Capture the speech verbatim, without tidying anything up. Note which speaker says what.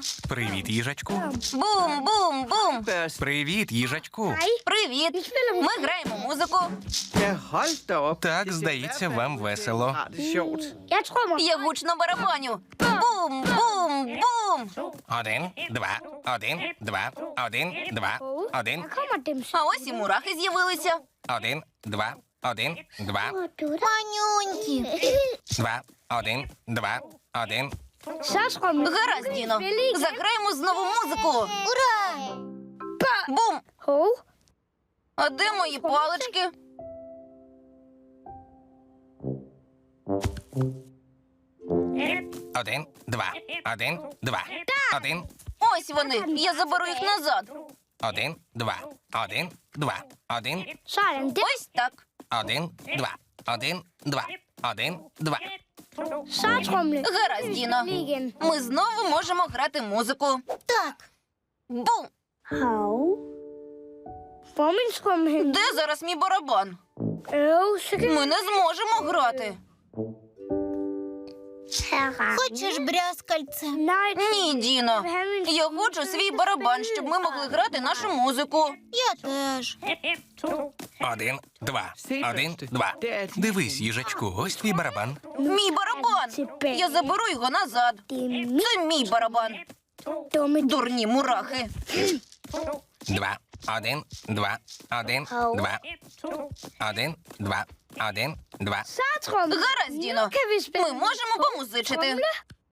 Speaker 1: Привіт, їжачку.
Speaker 2: Бум, бум, бум.
Speaker 1: Привіт, їжачку.
Speaker 2: Привіт. Ми граємо музику.
Speaker 1: Так, здається, вам весело.
Speaker 3: Jeg tror mig.
Speaker 2: Я гучно барабаню. Бум, бум, бум.
Speaker 1: Один, два, один, два, один, два, один,
Speaker 3: Der kommer dem så.
Speaker 2: А ось і мурахи з'явилися.
Speaker 1: один, два, один, два,
Speaker 2: Манюнькі.
Speaker 1: два, один, два, один.
Speaker 3: Så tror mig.
Speaker 2: Гаразд, Діно. Заграємо знову музику. Ура! Бум.
Speaker 3: Hov.
Speaker 2: А де мої палички?
Speaker 1: Один, два, один, два, один,
Speaker 2: Ось вони. Я заберу їх назад.
Speaker 1: один, два, один, два, один,
Speaker 3: Sådan der.
Speaker 2: Ось так.
Speaker 1: один, два, один, два, один, два.
Speaker 3: Så trumle.
Speaker 2: Гаразд, Діно.
Speaker 3: Lige igen.
Speaker 2: Ми знову можемо грати музику. Так. Бум.
Speaker 3: Hov. Hvor er min trum hen?
Speaker 2: Де зараз мій барабан?
Speaker 3: Øv, så kan
Speaker 2: Ми не зможемо грати.
Speaker 4: Хочеш брязкальце?
Speaker 3: Nej,
Speaker 2: Ні, Діно. Я хочу свій барабан, щоб ми могли грати нашу музику.
Speaker 4: Я теж.
Speaker 1: Один, два, один, два. Дивись, їжачку, ось твій барабан.
Speaker 2: Мій барабан. Я заберу його назад.
Speaker 3: det er mit
Speaker 2: Це мій барабан.
Speaker 3: dumme.
Speaker 2: Дурні мурахи.
Speaker 1: Два, один, два, один, два. Один, два, один, два.
Speaker 3: Så trumle.
Speaker 2: Гаразд, Діно.
Speaker 3: Kan vi spille?
Speaker 2: Ми можемо помузичити.